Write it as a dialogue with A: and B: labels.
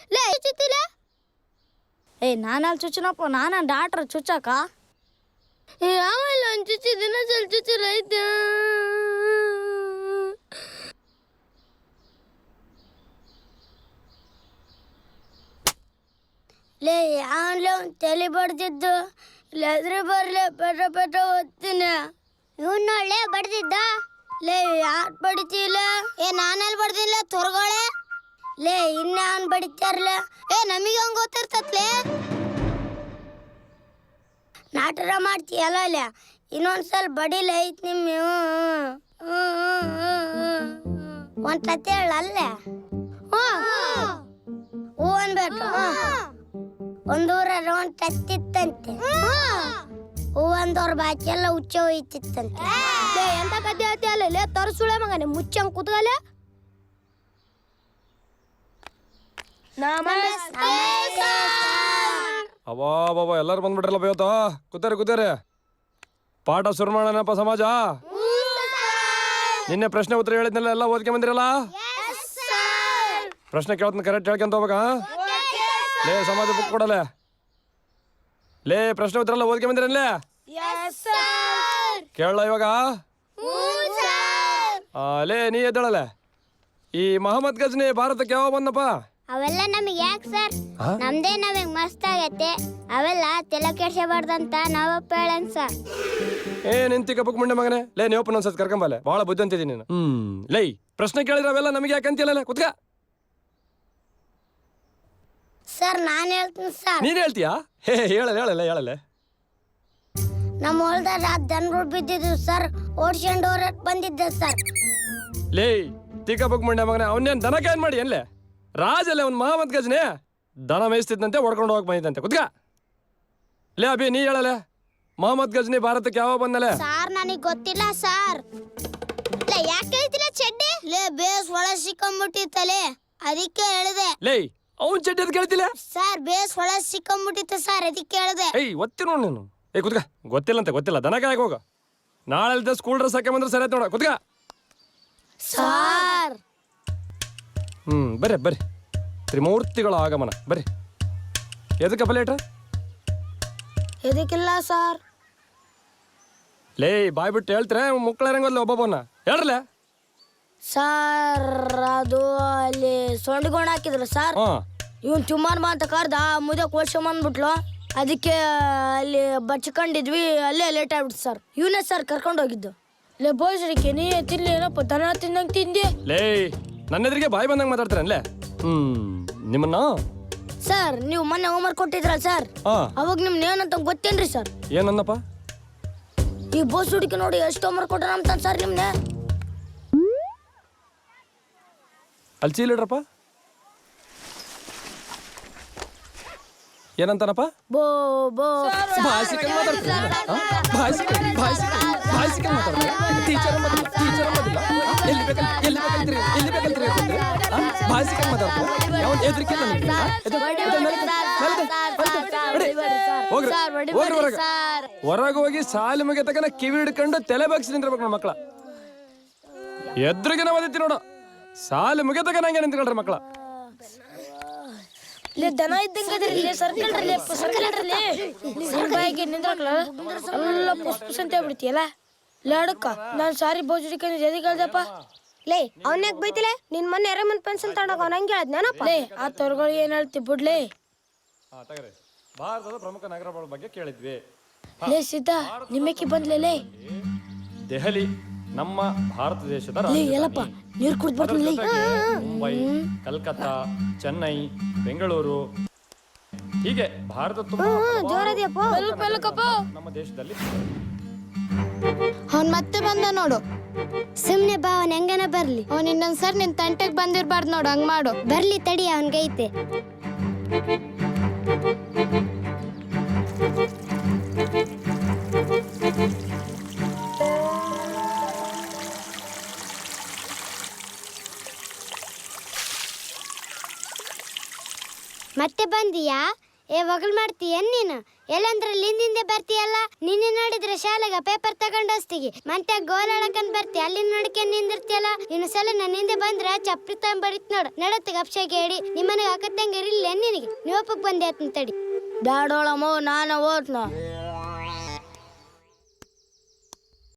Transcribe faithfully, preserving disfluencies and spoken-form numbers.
A: ಲೇ ಚುಚ್ಚಿಲ್ಲ. ಏ ನಾನಲ್ಲಿ ಚುಚ್ಚನಪ್ಪ, ನಾನ ಡಾಕ್ಟ್ರ್ ಚುಚ್ಚಕ. ಆಮೇಲೆ ಒಂದು ಚುಚ್ಚಿ ದಿನ ಸ್ವಲ್ಪ ಚುಚ್ಚು ರೈತ. ಲೇ ಯಾವನ್ಲೇ ಒಂದು ತಲೆ ಬಡ್ದಿದ್ದು, ಇಲ್ಲಾದ್ರೆ ಬರ್ಲೆ ಪಟ ಪಟ ಓದ್ತೀನಿ. ಇವನ್ ನೋಡ್ಲೇ ಬಡ್ದಿದ್ದ. ಲೇ ಯಾರು ಬಡಿತಿಲ್ಲ? ಏ ನಾನಲ್ಲಿ ಬಡ್ದಿಲ್ಲ ತೊರ್ಗೋಳೆ. ಲೇ ಇನ್ನ ಅವನ್ ಬಡಿತಾರಲ್ಲ. ಏ ನಮಗೆ ಹಂಗ ಗೊತ್ತಿರ್ತತ್ಲೇ. ನಾಟಕ ಮಾಡ್ತೀಯಲ್ಲ ಅಲ್ಲ, ಇನ್ನೊಂದ್ಸಲ ಬಡಿಲ ಐತ್ ನಿಮ್ಮ. ಒಂದ್ ತತ್ತೆ ಹೇಳಲ್ಲೇ. ಹೂ ಅನ್ಬೇಕು. ಒಂದೂರ ಒಂದ್ ತತ್ತಿತ್ತಂತೆ. ಹೂ ಒಂದವ್ರ ಬಾಕಿ ಎಲ್ಲ ಹುಚ್ಚ ಹೋಯ್ತಿತ್ತಂತೆ. ಎಂತ ಕತೆ ಹೇಳ್ತಿ ಅಲ್ಲ ತರಸುಳೆ ಮಗನೆ, ಮುಚ್ಚಂಗ್ ಕೂತ್ಗಲ್ಲ.
B: ಅವಾ ಬಾಬಾ ಎಲ್ಲರೂ ಬಂದ್ಬಿಟ್ರಲ್ಲ ಇವತ್ತ. ಕೂತಾರಿ ಕೂತಾರಿ, ಪಾಠ ಶುರು ಮಾಡೋಣಪ್ಪ ಸಮಾಜ. ನಿನ್ನೆ ಪ್ರಶ್ನೆ ಉತ್ತರ ಹೇಳಿದ್ನೆಲ್ಲ ಎಲ್ಲ ಓದ್ಕೊಂಡ್ ಬಂದಿರಲ್ಲ. ಪ್ರಶ್ನೆ ಕೇಳ್ತಾನೆ ಕರೆಕ್ಟ್ ಹೇಳ್ಕೊಂತ ಹೋಗ್ಬೇಕಾ? ಲೇ ಸಮಾಜ ಬುಕ್ ಕೊಡಲೆ. ಲೇ ಪ್ರಶ್ನೆ ಉತ್ತರ ಎಲ್ಲ ಓದ್ಕೊಂಡ್ ಬಂದಿರಲ್ಲೇ ಕೇಳಲ್ಲ ಇವಾಗ. ಲೇ ನೀ ಎದ್ದಳಲೆ. ಈ ಮಹಮ್ಮದ್ ಗಜ್ನಿ ಭಾರತಕ್ಕೆ ಯಾವ ಬಂದಪ್ಪ?
A: ಅವೆಲ್ಲ ನಮಗೆ ಯಾಕೆ ಸರ್? ನಮ್ದೇ ನಮಗೆ ಮಸ್ತ್ ಆಗೈತೆ. ಅವೆಲ್ಲ ತಲೆ ಕೆಡ್ಸಬಾರ್ದಂತ ನಾವಪ್ಪ ಹೇಳನ್ ಸರ್.
B: ಏ ನಿಂತಿ ಕಪ್ಪಕ್ ಮುಂಡೆ ಮಗನೇ. ಲೇ ನೀವು ಒಂದ್ಸತ್ ಕರ್ಕೊಂಬಲ್ಲ, ಭಾಳ ಬುದ್ಧಿ ಅಂತಿದ್ದೀನಿ ನೀನು. ಹ್ಮ್ ಲೈ ಪ್ರಶ್ನೆ ಕೇಳಿದ್ರೆ ಅವೆಲ್ಲ ನಮಗೆ ಯಾಕೆ ಅಂತಿಲ್ಲ. ಕುತ್ಕ.
A: ಸರ್ ನಾನು ಹೇಳ್ತೀನಿ ಸರ್.
B: ನೀನ್ ಹೇಳ್ತೀಯಾ? ಹೇ ಹೇಳಲ್ಲ ಹೇಳಲ್ಲ ಹೇಳಲ್ಲ.
A: ನಮ್ಮ ಹೊಲ್ದಾಗ ದನಗಳು ಬಿದ್ದಿದ್ದು ಸರ್, ಓಡ್ಸ್ಕೊಂಡು ಹೊರಕ್ ಬಂದಿದ್ದೆ ಸರ್.
B: ಲೇ ತಿಕ್ಕ ಬುಕ್ ಮುಂಡೆ ಮಗನೇ, ಅವನೇನ್ ದನ ಏನ್ ಮಾಡಿ ಅಲ್ಲೇ ರಾಜಲ್ಲೇ ಅವ್ನು ಮಹಮ್ಮದ್ ಗಜ್ನಿ ದನ ಮೇಯಿಸ್ತಿದ್ದಂತೆ, ಹೊಡ್ಕೊಂಡು ಹೋಗಕ್ ಬಂದಿದ್ದಂತೆ. ಕುತ್ಕ. ಲೇ ಅಭಿ ನೀ ಹೇಳಲೆ, ಮಹಮ್ಮದ್ ಗಜ್ನಿ ಭಾರತಕ್ಕೆ ಯಾವ ಬಂದಲೆ?
A: ಸಾರ್ ನನಗೆ ಗೊತ್ತಿಲ್ಲ ಸರ್. ಲೇ ಯಾಕೆ ಹೇಳ್ತಿಲ್ಲ ಚಡ್ಡಿ? ಲೇ ಬೇಸ್ ಒಳ ಸಿಕ್ಕಂಬಿಟ್ಟಿತ್ತಲೇ, ಅದಕ್ಕೆ ಹೇಳಿದೆ.
B: ಲೇ ಅವ್ನ್ ಚಡ್ಡಿ ಅದ್ ಕೇಳ್ತಿಲ್ಲ
A: ಸರ್, ಬೇಸ್ ಒಳ ಸಿಕ್ಕಂಬಿಟ್ಟಿತ್ತು ಸರ್, ಅದಕ್ಕೆ ಹೇಳಿದೆ.
B: ಏಯ್ ಒತ್ತಿ ನೋಡ್ ನೀನು. ಏ ಕುತ್ಕ. ಗೊತ್ತಿಲ್ಲ ಅಂತ ಗೊತ್ತಿಲ್ಲ, ದನ ಕಾಯಕ್ ಹೋಗ. ನಾಳೆ ಸ್ಕೂಲ್ ಡ್ರೆಸ್ ಹಾಕಿ ಬಂದ್ರೆ ಸರಿ ಆಯ್ತು ನೋಡ. ಕುತ್ಕ.
A: ಸರ್
B: ಹ್ಮ್ ಬರ್ರಿ ಬರ್ರಿ, ತ್ರಿಮೂರ್ತಿಗಳ ಆಗಮನ ಬರ್ರಿ. ಎದಕ್ಕಪ್ಪ ಲೇಟ್ರ?
A: ಇದಕ್ಕಿಲ್ಲ ಸರ್.
B: ಲೇ ಬಾಯ್ ಬಿಟ್ಟು ಹೇಳ್ತಾರೆ ಮುಕ್ಕಳ ರಂಗೋದ್ಲ ಒಬ್ಬೊಬ್ಬನ ಹೇಳ್ರಲ್ಲ.
A: ಸರ್ ಅದು ಅಲ್ಲಿ ಸೊಂಡಿಗೊಂಡು ಹಾಕಿದ್ರು ಸರ್. ಇವನ್ ಚುಮ್ಮಾನ್ ಬಾ ಅಂತ ಕರ್ದ, ಮುದ್ದೆ ಕೋಳ್ಸ್ಕೊಂಬಂದ್ಬಿಟ್ಲು. ಅದಕ್ಕೆ ಅಲ್ಲಿ ಬಚ್ಕೊಂಡಿದ್ವಿ, ಅಲ್ಲೇ ಲೇಟ್ ಆಗ್ಬಿಡ್ತು ಸರ್. ಇವನೇ ಸರ್ ಕರ್ಕೊಂಡು ಹೋಗಿದ್ದು. ಲೇ ಬೋಸ್ರಿಕೆ ನೀ ತಿನ್ಲಿ ಏನಪ್ಪ, ದನ ತಿನ್ನಂಗೆ ತಿಂದಿ.
B: ಲೇ ನನ್ನ ಎದುರಿಗೆ ಬಾಯಿ ಬಂದಂಗೆ ಮಾತಾಡ್ತಾರಲ್ಲೇ. ಹ್ಮ್ ನಿಮ್ಮನ್ನ
A: ಸರ್ ನೀವು ಮೊನ್ನೆ ಹೋಮ್ವರ್ಕ್ ಕೊಟ್ಟಿದ್ರಲ್ಲ ಸರ್, ಅವಾಗ ನಿಮ್ನ ಏನಂತ ಗೊತ್ತೇನ್ರಿ ಸರ್?
B: ಏನನ್ನಪ್ಪ?
A: ಈ ಬೋಸ್ ಹುಡುಕಿ ನೋಡಿ ಎಷ್ಟು ಹೋಮ್ವರ್ಕ್ ಕೊಟ್ಟ ಅಂತ ಸರ್ ನಿಮ್ನೆ.
B: ಅಲ್ಲಿ ಚೀಲಿಡ್ರಪ್ಪ. ಏನಂತಾನಪ್ಪ?
A: ಬೋ ಬೋ
B: ಭಾಷಿಕನ್ ಮಾತಾಡ್ತಾರೆ. ಭಾಷಿಕನ್ ಭಾಷಿಕನ್ ಭಾಷಿಕನ್ ಮಾತಾಡ್ತಾರೆ. ಟೀಚರ್ ಮದ್ದಿಲ್ಲ, ಟೀಚರ್ ಮದ್ದಿಲ್ಲ. ಎಲ್ಲಿ ಬೇಕಂತ ಎಲ್ಲಿ ಬೇಕಂತ್ರಿ ಎಲ್ಲಿ ಬೇಕಂತ್ರಿ ಭಾಷಿಕನ್ ಮಾತಾಡ್ತಾರೆ. ಯಾವನ್ ಎದ್ರಿಕಿಲ್ಲ ನಿಮ್ಗೆ? ಹೋಗ್ರಿ ಹೊರಗೆ. ಹೊರಗೆ ಹೋಗಿ ಸಾಲಿ ಮುಗಿಯ ತಕನ ಕಿವಿ ಹಿಡ್ಕೊಂಡು ತಲೆ ಬಾಗಿಸಿ ನಿಂತಿರ್ಬೇಕು ನಮ್ಮ ಮಕ್ಕಳ. ಎದ್ರಿಗೆ ನಾವು ಓದಿತ್ತಿ ನೋಡು. ಸಾಲಿ ಮುಗಿಯ ತಕ ನಂಗೆ ನಿಂತ್ಕೊಳ್ರಿ ಮಕ್ಕಳ.
A: ದನ ಇದ್ದಂಗೆ ಸರ್ಕಲ್ರಿ ಸರ್ಕಲ್ರಿ ಬಾಯಿಗೆ ನಿಂದ್ರಕ್ಲ ಎಲ್ಲ ಪುಸ್ ಪುಸ್ ಅಂತ ಹೇಳ್ಬಿಡ್ತೀಯಲ್ಲ. ಲಾಡಕ್ಕ ನಾನು ಸಾರಿ ಬೋಜುಡಿಕ ಜದಿ ಕೇಳ್ದಪ್ಪ. ಲೇ ಅವನ್ಯಾಕ ಬೈತಿಲೆ? ನಿನ್ ಮೊನ್ನೆ ಎರಮನ್ ಪೆನ್ಸಿಲ್ ತಗೊಂಡಾಗ ಅವ್ನ ಹಂಗೆ ಹೇಳದ್ನೇನಪ್ಪ. ಲೇ ಆ ತೊರ್ಗಳು ಏನ್ ಹೇಳ್ತಿ ಬಿಡ್ಲೇ.
B: ಭಾರತದ ಪ್ರಮುಖ ನಗರಗಳ ಬಗ್ಗೆ ಕೇಳಿದ್ವಿ.
A: ಲೇ ಸಿದ್ಧ ನಿಮ್ಮಕ್ಕೆ ಬಂದ್ಲೇ.
B: ದೆಹಲಿ ನಮ್ಮ ಭಾರತ ದೇಶದ
A: ಎಲ್ಲಪ್ಪ ನೀರು ಕುಡ್ದು ಬರ್ತೀನಿ.
B: ಮುಂಬೈ, ಕಲ್ಕತ್ತಾ, ಚೆನ್ನೈ, ಬೆಂಗಳೂರು, ಹೀಗೆ ಭಾರತ ನಮ್ಮ ದೇಶದಲ್ಲಿ.
A: ಅವ್ನ್ ಮತ್ತೆ ಬಂದ ನೋಡು. ಸುಮ್ನೆ ಬಾ, ಅವನ್ ಹೆಂಗನ ಬರ್ಲಿ. ಅವ್ನ್ ಇನ್ನೊಂದ್ಸರ್ ನಿನ್ ತಂಟೆಗ್ ಬಂದಿರ್ಬಾರ್ದು ನೋಡು, ಹಂಗ್ ಮಾಡು. ಬರ್ಲಿ ತಡಿ, ಅವನ್ಗೈತೆ. ಮತ್ತೆ ಬಂದಿಯಾ? ಏ ಒಗಲ್ ಮಾಡ್ತೀಯ ನೀನು?
C: ಎಲ್ಲಂದ್ರ ಹಿಂದಿಂದೆ ಬರ್ತೀಯಲ್ಲ ನಿನ್ನೆ ನೋಡಿದ್ರೆ ಶಾಲೆಗ ಪೇಪರ್ ತಗೊಂಡ್ ಹೋಸ್ತಿಗಿ ಮಂತ್ಯ ಗೋಲ್ ಆಡಕಂದ್ ಬರ್ತಿ ಅಲ್ಲಿ ನೋಡ್ಕೊಂಡ್ ನಿಂದಿರ್ತಿಯಲ್ಲ ಇನ್ನೊಂದ್ಸಲ ನನ್ನ ಹಿಂದೆ ಬಂದ್ರೆ ಚಪ್ರಿ ತಗೊಂಬರಿತ್ ನೋಡು ನಡತ್ತ ಗಪ್ಷಾಗಿ ಹೇಳಿ ನಿಮ್ಮನೆಗೆ ಅಕ್ಕತ್ತಂಗಿರಿಲ್ಲ ನಿನಗೆ ನೀವಪ್ಪಕ್ ಬಂದೆ ತಡಿ
A: ಬ್ಯಾಡೋಳಮ್ಮ ನಾನು ಓದ್ನ